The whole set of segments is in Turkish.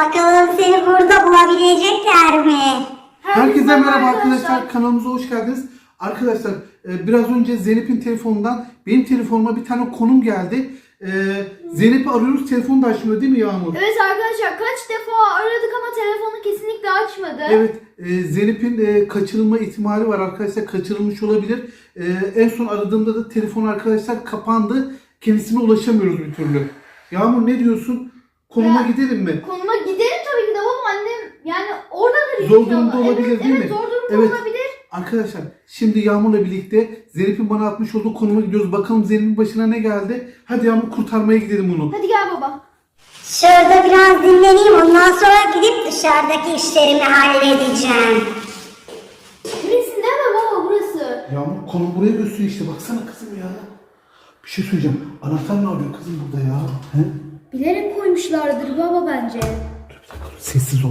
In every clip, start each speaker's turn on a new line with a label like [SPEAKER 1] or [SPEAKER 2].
[SPEAKER 1] Bakalım seni burada bulabilecekler mi?
[SPEAKER 2] Herkese merhaba arkadaşlar. Kanalımıza hoş geldiniz. Arkadaşlar biraz önce Zeynep'in telefonundan benim telefonuma bir tane konum geldi. Zeynep'i arıyoruz, telefonu da açmıyor değil mi Yağmur?
[SPEAKER 3] Evet arkadaşlar, kaç defa aradık ama telefonu kesinlikle açmadı.
[SPEAKER 2] Evet, Zeynep'in kaçırılma ihtimali var arkadaşlar, kaçırılmış olabilir. En son aradığımda da telefon arkadaşlar kapandı, kendisine ulaşamıyoruz bir türlü. Yağmur ne diyorsun? Konuma gidelim mi?
[SPEAKER 3] Konuma gidelim tabii ki de baba, annem yani oradadır.
[SPEAKER 2] Zor durumda olabilir
[SPEAKER 3] evet,
[SPEAKER 2] değil mi?
[SPEAKER 3] Evet, zor durumda olabilir.
[SPEAKER 2] Arkadaşlar şimdi Yağmur'la birlikte Zeynep'in bana atmış olduğu konuma gidiyoruz. Bakalım Zeynep'in başına ne geldi? Hadi Yağmur, kurtarmaya gidelim onu.
[SPEAKER 3] Hadi gel baba.
[SPEAKER 1] Şurada biraz dinleneyim. Ondan sonra gidip dışarıdaki işlerimi halledeceğim.
[SPEAKER 3] Burası değil mi baba, burası?
[SPEAKER 2] Yağmur konum buraya gösteriyor işte. Baksana kızım ya. Bir şey söyleyeceğim. Anahtar ne arıyor kızım burada ya? He?
[SPEAKER 3] Bilerek koymuşlardır baba bence.
[SPEAKER 2] Dur bir dakika. Sessiz ol.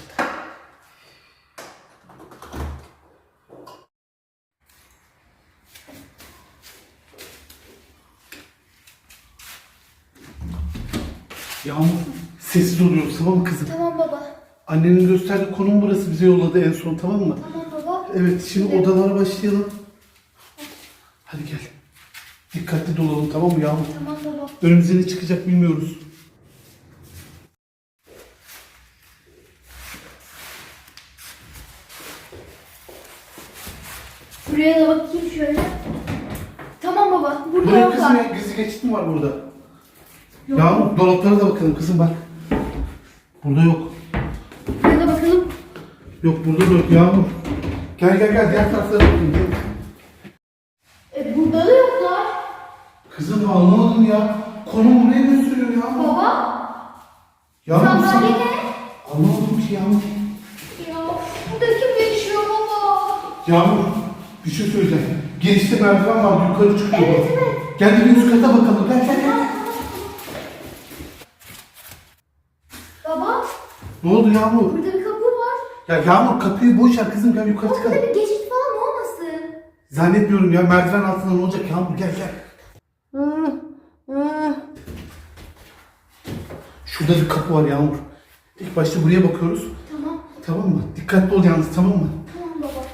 [SPEAKER 2] Yağmur sessiz oluyoruz, tamam mı kızım?
[SPEAKER 3] Tamam baba.
[SPEAKER 2] Annenin gösterdiği konum burası, bize yolladı en son, tamam mı?
[SPEAKER 3] Tamam baba.
[SPEAKER 2] Evet, şimdi odalara başlayalım. Hadi gel. Dikkatli dolalım, tamam mı Yağmur?
[SPEAKER 3] Tamam baba.
[SPEAKER 2] Önümüze ne çıkacak bilmiyoruz.
[SPEAKER 3] Buraya da bakayım şöyle. Tamam baba, burada
[SPEAKER 2] Buraya
[SPEAKER 3] yok
[SPEAKER 2] kızım
[SPEAKER 3] var.
[SPEAKER 2] ya, gizli geçit mi var burada?
[SPEAKER 3] Yok.
[SPEAKER 2] Yağmur dolaplara da bakalım kızım, bak. Burada yok.
[SPEAKER 3] Buraya da bakalım.
[SPEAKER 2] Yok, burada da yok Yağmur. Gel diğer taraflara bakalım.
[SPEAKER 3] Burada da yoklar.
[SPEAKER 2] Kızım anlamadım ya. Konum buraya gösteriyor Yağmur.
[SPEAKER 3] Baba.
[SPEAKER 2] Yağmur
[SPEAKER 3] Sandalye ne?
[SPEAKER 2] Anlamadım ki Yağmur.
[SPEAKER 3] Ya burada kim yaşıyor baba?
[SPEAKER 2] Yağmur bir şey söyleyeceğim. Girişte merdiven var, yukarı çıkıyor.
[SPEAKER 3] Evet,
[SPEAKER 2] bak.
[SPEAKER 3] evet.
[SPEAKER 2] Gel de bir üst kata bakalım. Gel.
[SPEAKER 3] Baba,
[SPEAKER 2] Ne oldu Yağmur?
[SPEAKER 3] burada bir kapı var.
[SPEAKER 2] Ya Yağmur kapıyı boş ver kızım, gel yukarı
[SPEAKER 3] Baba,
[SPEAKER 2] çıkalım.
[SPEAKER 3] burada bir geçit falan olmasın?
[SPEAKER 2] Zannetmiyorum ya, merdiven altında ne olacak Yağmur, gel. Şurada bir kapı var Yağmur. İlk başta buraya bakıyoruz.
[SPEAKER 3] Tamam.
[SPEAKER 2] Tamam mı? Dikkatli ol yalnız, tamam mı?
[SPEAKER 3] Tamam baba.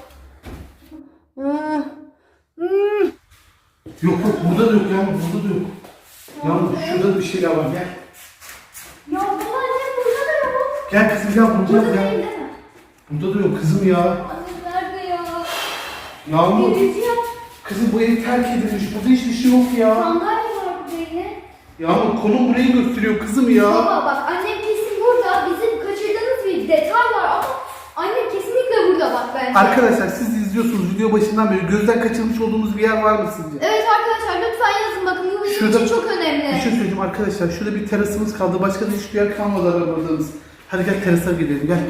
[SPEAKER 2] Yok burada da yok Yağmur, burada da yok. Yağmur şurada da bir şeyler var, gel.
[SPEAKER 3] Ya baba, annem burada da yok.
[SPEAKER 2] Gel kızım gel, burada
[SPEAKER 3] Burada
[SPEAKER 2] yok ya.
[SPEAKER 3] değil mi?
[SPEAKER 2] Burada da yok kızım ya.
[SPEAKER 3] Annem nerede ya?
[SPEAKER 2] Yağmur.
[SPEAKER 3] Geleceğim.
[SPEAKER 2] Kızım bu ev terk edilmiş. Burada hiçbir şey yok ya.
[SPEAKER 3] Sandalye var burada yine.
[SPEAKER 2] Yağmur konum burayı gösteriyor kızım ya.
[SPEAKER 3] Baba bak, annem kesin burada. Bizim kaçırdığımız bir detay var ama annem kesinlikle burada bak bence.
[SPEAKER 2] Arkadaşlar siz izliyorsunuz video başından beri, gözden kaçırmış olduğumuz bir yer var mı sizce?
[SPEAKER 3] Evet arkadaşlar, lütfen yazın bakın, bu bizim için çok önemli.
[SPEAKER 2] Bir şey söyleyeceğim arkadaşlar. Şurada bir terasımız kaldı. Başka da hiçbir yer kalmadı aradığımız. Hadi gel terasa gidelim, gel.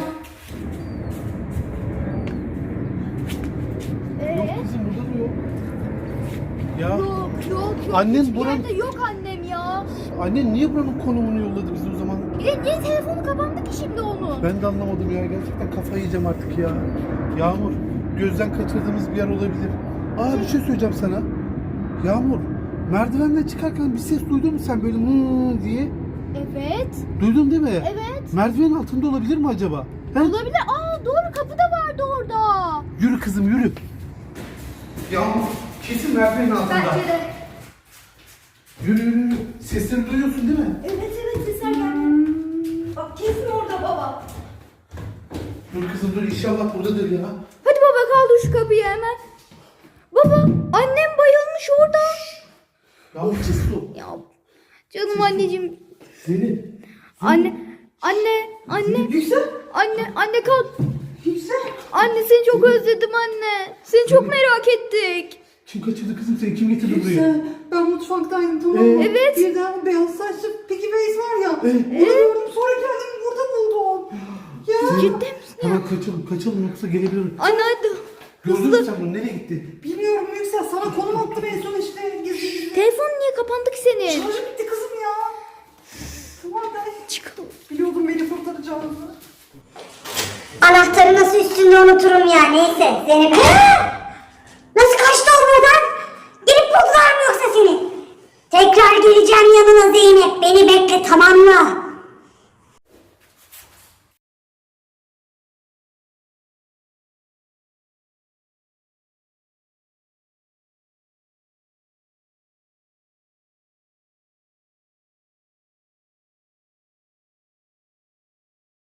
[SPEAKER 2] Yok kızım burada da yok. Ya
[SPEAKER 3] Yok.
[SPEAKER 2] Annen
[SPEAKER 3] Hiçbir
[SPEAKER 2] buranın-
[SPEAKER 3] yerde yok annem ya.
[SPEAKER 2] annen niye buranın konumunu yolladı bize o zaman?
[SPEAKER 3] Niye telefonu kapandı ki şimdi onu?
[SPEAKER 2] Ben de anlamadım ya. Gerçekten kafayı yiyeceğim artık ya. Yağmur, gözden kaçırdığımız bir yer olabilir. Aa bir şey söyleyeceğim sana. Yağmur, merdivenden çıkarken bir ses duydun mu sen böyle diye?
[SPEAKER 3] Evet.
[SPEAKER 2] Duydun değil mi?
[SPEAKER 3] Evet.
[SPEAKER 2] Merdivenin altında olabilir mi acaba? He?
[SPEAKER 3] Olabilir. Aa doğru, kapı da vardı orada.
[SPEAKER 2] Yürü kızım yürü. Yağmur, kesin merdivenin altında.
[SPEAKER 3] Bence de.
[SPEAKER 2] Yürü. Sesleri duyuyorsun değil mi?
[SPEAKER 3] Evet sesler geldi. Bak kesin orada baba.
[SPEAKER 2] Dur kızım dur, inşallah buradadır ya.
[SPEAKER 3] Hadi baba, kaldır şu kapıyı hemen. Baba, annem bayılmış orada.
[SPEAKER 2] Yağmur sessiz ol.
[SPEAKER 3] Ya canım anneciğim.
[SPEAKER 2] Zeynep.
[SPEAKER 3] Anne.
[SPEAKER 2] Yüksel.
[SPEAKER 3] Anne kalk.
[SPEAKER 2] Yüksel.
[SPEAKER 3] Anne seni çok özledim anne. Seni çok merak ettik.
[SPEAKER 2] Kim kaçırdı kızım seni? Kim getirdi buraya?
[SPEAKER 4] Ben mutfaktaydım, tamam mı?
[SPEAKER 3] Evet.
[SPEAKER 4] Birden beyaz saçlı Piggy Face var ya.
[SPEAKER 2] Evet.
[SPEAKER 4] Onu gördüm, sonra geldim burada buldum. Ya
[SPEAKER 3] Ciddi misin ya?
[SPEAKER 2] Hemen kaçalım yoksa gelebilir.
[SPEAKER 3] Anne hadi.
[SPEAKER 2] Gördün mü sen bunu? Nereye gitti?
[SPEAKER 4] bilmiyorum Yüksel, sana konum attım en son işte. Gizli.
[SPEAKER 3] Telefonun niye kapandı ki senin?
[SPEAKER 4] Şarjı bitti kızım ya. Tamam ben
[SPEAKER 3] Çıkalım.
[SPEAKER 4] biliyordum beni kurtaracağını.
[SPEAKER 1] Anahtarı nasıl üstünde unuturum ya, neyse. Zeynep. Nasıl kaçtı o buradan? Gelip buldular mı yoksa seni? Tekrar geleceğim yanına Zeynep. Beni bekle, tamam mı?